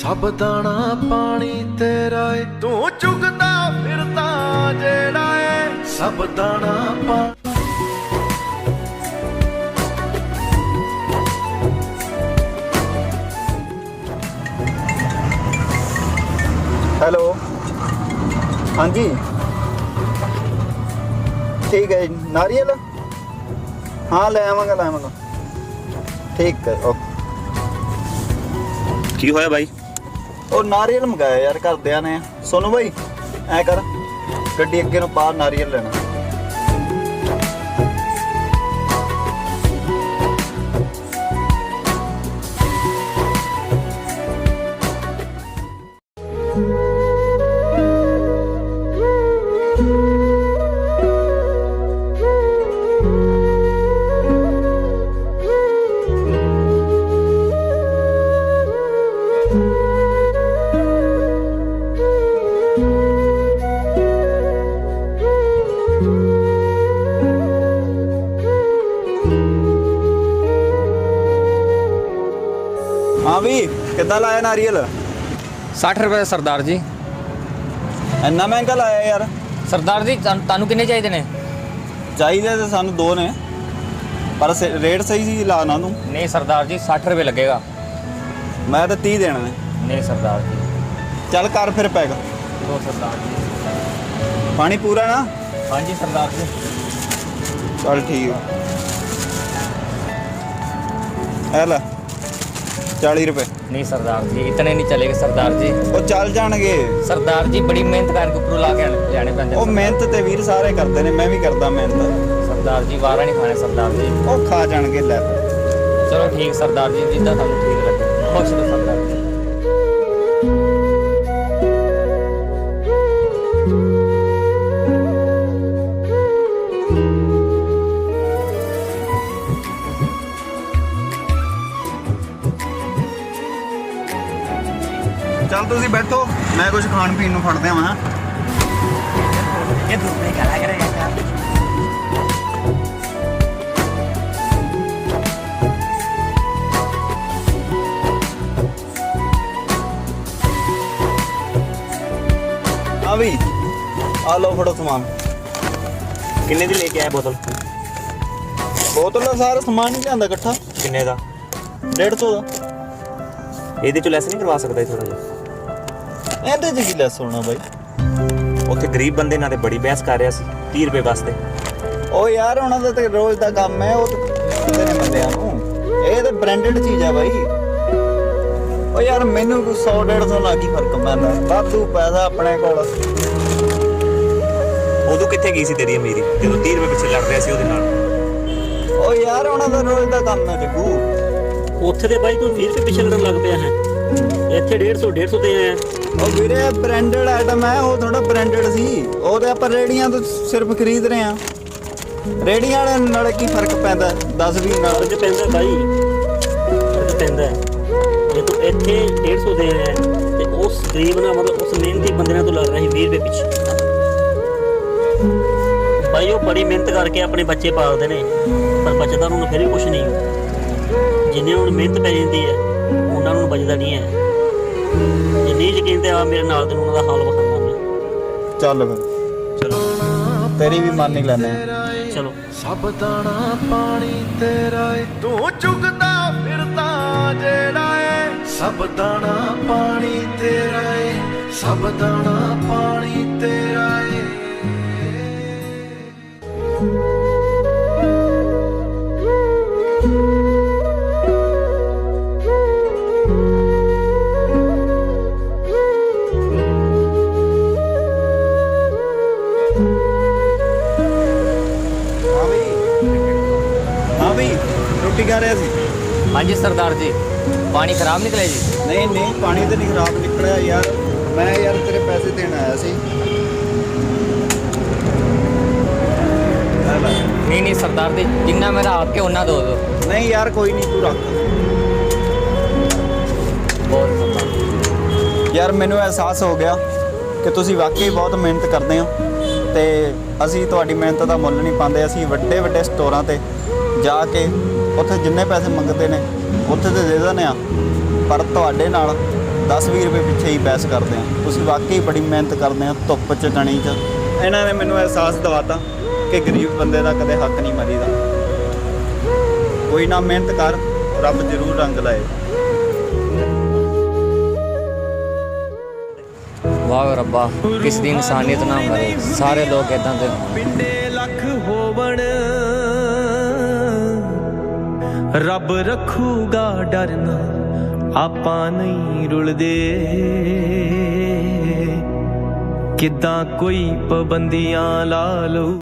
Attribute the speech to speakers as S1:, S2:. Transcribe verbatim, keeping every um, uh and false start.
S1: सब दाना पानी तेरा है, तू चुगदा फिरदा जेड़ा है, सब दाना पानी।
S2: हेलो, हाँ जी, ठीक है। नारियल हाँ ले आवांगा ले आवांगा, ठीक है ओके।
S3: की होया भाई?
S2: ਉਹ ਨਾਰੀਅਲ ਮੰਗਾਇਆ ਯਾਰ ਘਰਦਿਆਂ ਨੇ। ਸੋਨੂ ਭਾਈ ਐ ਕਰ, ਗੱਡੀ ਅੱਗੇ ਨੂੰ ਪਾ, ਨਾਰੀਅਲ ਲੈਣਾ। हाँ भी कितना लाया नारियल?
S4: साठ रुपए सरदार जी।
S2: ਇੰਨਾ ਮਹਿੰਗਾ ਲਾਇਆ ਯਾਰ।
S4: सरदार जी ਤੁਹਾਨੂੰ ਕਿੰਨੇ ਚਾਹੀਦੇ ਨੇ?
S2: ਚਾਹੀਦੇ ਤਾਂ ਸਾਨੂੰ ਦੋ ਨੇ, ਪਰ ਰੇਟ ਸਹੀ ਸੀ ਲਾਣਾ ਨੂੰ।
S4: नहीं सरदार जी साठ रुपए लगेगा।
S2: ਮੈਂ ਤਾਂ तीस ਦੇਣਾ ਨੇ।
S4: नहीं सरदार जी।
S2: ਚੱਲ ਕਰ ਫਿਰ ਪੈਗ।
S4: दो सरदार जी।
S2: ਪਾਣੀ ਪੂਰਾ ਨਾ?
S4: हाँ जी सरदार जी।
S2: ਚੱਲ ਠੀਕ ਹੈ। ਲੈ चाली रुपए।
S4: नहीं सरदार जी इतने नहीं चलेगा सरदार जी।
S2: ਉਹ ਚੱਲ ਜਾਣਗੇ।
S4: सरदार जी बड़ी मेहनत करके ऊपर ला के जाने पैंदे।
S2: ਉਹ ਮਿਹਨਤ ਤੇ ਵੀਰ ਸਾਰੇ ਕਰਦੇ ਨੇ, ਮੈਂ ਵੀ ਕਰਦਾ ਮਿਹਨਤ।
S4: सरदार जी वारा नहीं खाने सरदार जी।
S2: ਉਹ ਖਾ ਜਾਣਗੇ। ਲੈ
S4: चलो ठीक सरदार जी जिद्दां थानू ठीक लगे। खुश रहो सरदार जी।
S2: ਚੱਲ ਤੁਸੀਂ ਬੈਠੋ, ਮੈਂ ਕੁਝ ਖਾਣ ਪੀਣ ਨੂੰ ਫੜਦੇ ਆਵਾਂ।
S4: ये दूसरे क्या लग रहा है यार?
S2: हाँ भी आ लो फड़ो सामान।
S3: किन्ने दी लेके आया बोतल?
S2: बोतल ਦਾ ਸਾਰਾ ਸਮਾਨ ਹੀ ਲਿਆਂਦਾ ਇਕੱਠਾ।
S3: किन्ने दा?
S2: डेढ़ सौ ਦਾ।
S3: ਇਹਦੇ ਚ ਲੈਸ ਨਹੀਂ ਕਰਵਾ ਸਕਦਾ ਥੋੜਾ ਜਿਹਾ?
S2: ਇਹਦੇ ਚ ਕੀ ਲੈਸ ਹੋਣਾ ਬਾਈ?
S3: ਉੱਥੇ ਗਰੀਬ ਬੰਦੇ ਨਾਲ ਤੇ ਬੜੀ ਬਹਿਸ ਕਰ ਰਿਹਾ ਸੀ तीस ਰੁਪਏ ਵਾਸਤੇ।
S2: ਉਹ ਯਾਰ ਉਹਨਾਂ ਦਾ ਤੇ ਰੋਜ਼ ਦਾ ਕੰਮ ਹੈ, ਉਹ ਤੇ ਨੇ ਬੰਦਿਆਂ ਨੂੰ। ਇਹ ਤੇ ਬ੍ਰਾਂਡਡ ਚੀਜ਼ ਆ ਬਾਈ। ਉਹ ਯਾਰ ਮੈਨੂੰ ਕੋਈ सौ डेढ़ सौ ਨਾਲ ਕੀ ਫਰਕ ਪੈਂਦਾ? ਵਾਧੂ ਪੈਸਾ ਆਪਣੇ ਕੋਲ।
S3: ਉਦੋਂ ਕਿੱਥੇ ਗਈ ਸੀ ਤੇਰੀ ਅਮੀਰੀ ਜਦੋਂ तीस ਰੁਪਏ ਪਿੱਛੇ ਲੜ ਰਿਹਾ ਸੀ ਉਹਦੇ ਨਾਲ?
S2: ਉਹ ਯਾਰ ਉਹਨਾਂ ਦਾ ਰੋਜ਼ ਦਾ ਕੰਮ ਹੈ ਜੱਗੂ।
S5: ਉੱਥੇ ਦੇ ਬਾਈ ਤੂੰ ਵੀਹ ਰੁਪਏ ਪਿੱਛੇ ਲੜਨ ਲੱਗ ਪਿਆ ਹੈ। ਇੱਥੇ डेढ़ सौ डेढ़ सौ ਤੇ ਆਇਆ।
S2: ਉਹ ਵੀਰੇ ਬ੍ਰਾਂਡਡ ਆਈਟਮ ਹੈ, ਉਹ ਥੋੜਾ ਬ੍ਰਾਂਡਡ ਸੀ। ਉਹ ਤੇ ਆਪਾਂ ਰੇੜੀਆਂ ਤੋਂ ਸਿਰਫ ਖਰੀਦ ਰਹੇ ਆ। ਰੇੜੀਆਂ ਵਾਲੇ ਨਾਲ ਕੀ ਫਰਕ ਪੈਂਦਾ? ਦਸ ਵੀਹ ਨਾਲ
S5: ਫਰਕ ਪੈਂਦਾ ਬਾਈ, ਫਰਕ ਪੈਂਦਾ। ਜੇ ਤੂੰ ਇੱਥੇ डेढ़ सौ ਦੇ ਆਇਆ ਤੇ ਉਸ ਗਰੀਬ ਨਾਲ ਮਤਲਬ ਉਸ ਮਿਹਨਤੀ ਬੰਦੇ ਨਾਲ ਤੂੰ ਲੜ ਰਿਹਾ ਸੀ ਵੀਹ ਰੁਪਏ ਪਿੱਛੇ। ਬਾਈ ਉਹ ਬੜੀ ਮਿਹਨਤ ਕਰਕੇ ਆਪਣੇ ਬੱਚੇ ਪਾਲਦੇ ਨੇ, ਪਰ ਬਚਦਾ ਉਹਨਾਂ ਨੂੰ ਫਿਰ ਵੀ ਕੁਛ ਨਹੀਂ। ਜਿੰਨੇ ਉਹਨਾਂ ਨੂੰ ਮਿਹਨਤ ਪੈ ਜਾਂਦੀ ਹੈ ਉਹਨਾਂ ਨੂੰ ਬਚਦਾ ਨਹੀਂ ਹੈ। ਜੇ ਨਹੀਂ ਯਕੀਨ ਤੇ ਆ ਮੇਰੇ ਨਾਲ ਤੈਨੂੰ ਉਹਨਾਂ ਦਾ ਹਾਲ ਵਿਖਾਉਂਦਾ ਮੈਂ।
S2: ਚੱਲ ਫਿਰ
S3: ਚਲੋ
S2: ਤੇਰੀ ਵੀ ਮੰਨ ਹੀ ਲੈਨੇ।
S5: ਚਲੋ
S1: सब दाना पानी तेरा है, तू चुगदा फिरदा जेड़ा है, सब दाना पानी तेरा है, सब दाना पानी तेरा है।
S2: ਰੋਟੀ ਖਾ ਰਿਹਾ ਸੀ।
S4: हाँ जी सरदार जी। पानी खराब निकले जी?
S2: ਨਹੀਂ ਨਹੀਂ ਪਾਣੀ ਤੇ ਨਹੀਂ ਖਰਾਬ ਨਿਕਲਿਆ ਯਾਰ, ਮੈਂ ਯਾਰ ਤੇਰੇ ਪੈਸੇ ਦੇਣ ਆਇਆ ਸੀ।
S4: नहीं नहीं सरदार जी जिन्ना मेरा आपके उन्ना दो दो।
S2: ਨਹੀਂ ਯਾਰ ਕੋਈ ਨਹੀਂ, ਤੂੰ ਰੱਖ।
S4: बहुत सरदार।
S2: ਯਾਰ ਮੈਨੂੰ ਅਹਿਸਾਸ ਹੋ ਗਿਆ ਕਿ ਤੁਸੀਂ ਵਾਕਈ ਬਹੁਤ ਮਿਹਨਤ ਕਰਦੇ ਹੋ ਤੇ ਅਸੀਂ ਤੁਹਾਡੀ ਮਿਹਨਤ ਦਾ ਮੁੱਲ ਨਹੀਂ ਪਾਉਂਦੇ। ਅਸੀਂ ਵੱਡੇ ਵੱਡੇ ਸਟੋਰਾਂ ਤੇ ਜਾ ਕੇ ਉੱਥੇ ਜਿੰਨੇ ਪੈਸੇ ਮੰਗਦੇ ਨੇ ਉੱਥੇ ਤੇ ਦੇ ਦਿੰਦੇ ਆ, ਪਰ ਤੁਹਾਡੇ ਨਾਲ ਦਸ ਵੀਹ ਰੁਪਏ ਪਿੱਛੇ ਹੀ ਬਹਿਸ ਕਰਦੇ ਆ। ਤੁਸੀਂ ਵਾਕਈ ਬੜੀ ਮਿਹਨਤ ਕਰਦੇ ਆ ਧੁੱਪ 'ਚ ਕਣੀ 'ਚ। ਇਹਨਾਂ ਨੇ ਮੈਨੂੰ ਅਹਿਸਾਸ ਦਿਵਾਤਾ ਕਿ ਗਰੀਬ ਬੰਦੇ ਦਾ ਕਦੇ ਹੱਕ ਨਹੀਂ ਮਰੀਦਾ। ਕੋਈ ਨਾ, ਮਿਹਨਤ ਕਰ, ਰੱਬ ਜ਼ਰੂਰ ਰੰਗ ਲਾਏ।
S4: ਵਾਹ ਰੱਬਾ, ਕਿਸ ਦੀ ਇਨਸਾਨੀਅਤ ਨਾ ਮਰੇ, ਸਾਰੇ ਲੋਕ ਇਦਾਂ ਦੇ ਹੋਣ।
S1: ਪਿੰਡੇ ਲੱਖ ਹੋਵਣ ਰੱਬ ਰੱਖੂਗਾ ਡਰਨਾ, ਆਪਾਂ ਨਹੀਂ ਰੁਲਦੇ। ਕਿੱਦਾਂ ਕੋਈ ਪਾਬੰਦੀਆਂ ਲਾ ਲਊ।